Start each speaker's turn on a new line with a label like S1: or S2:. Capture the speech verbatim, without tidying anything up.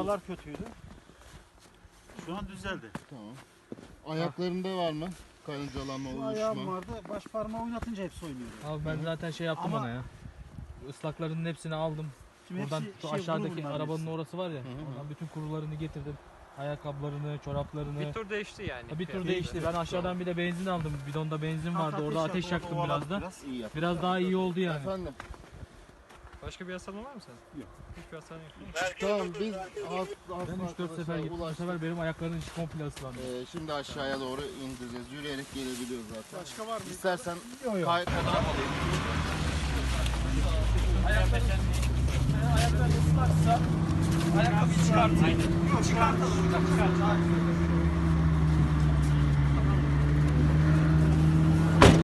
S1: Oralar kötüydü. Şu an düzeldi.
S2: Tamam. Ayaklarında var mı? Karıncalanma,
S1: Şu
S2: uyuşma.
S1: ayağım vardı. Baş parmağı oynatınca hepsi oynuyor.
S3: Abi ben zaten şey yaptım
S1: Ama-
S3: ona ya. Islaklarının hepsini aldım.
S1: Şimdi
S3: Buradan
S1: hepsi
S3: şu
S1: şey,
S3: aşağıdaki
S1: vuru bunların
S3: arabanın
S1: hepsi.
S3: orası var ya.
S2: Hı hı.
S3: Oradan bütün kurularını getirdim. Ayakkabılarını, çoraplarını.
S4: Bir tur değişti yani.
S3: Bir tur
S4: Fiyatı.
S3: değişti. Ben aşağıdan bir de benzin aldım. Bidonda benzin vardı.
S1: Kalk
S3: Orada ateş
S1: yaktık,
S3: yaktım
S1: ovaladık
S3: biraz da.
S1: biraz.
S2: İyi yap.
S3: Biraz daha iyi oldu yani.
S2: Efendim.
S4: Başka bir hastanın var mı senin?
S1: Yok.
S4: Hiçbir hastanın yok.
S2: Tamam biz has, has
S3: Ben üç dört sefer gittim. Bu sefer benim ayaklarım hiç komple ıslandı.
S2: Ee, şimdi aşağıya doğru indireceğiz. Yürüyerek gelebiliyoruz zaten.
S1: Başka var mı?
S2: İstersen
S3: Yok yok.
S2: kay fotoğraf alayım.
S3: Ayaklar ıslaksa ayakkabıyı çıkartın. Yok çıkartalım. Çıkartalım.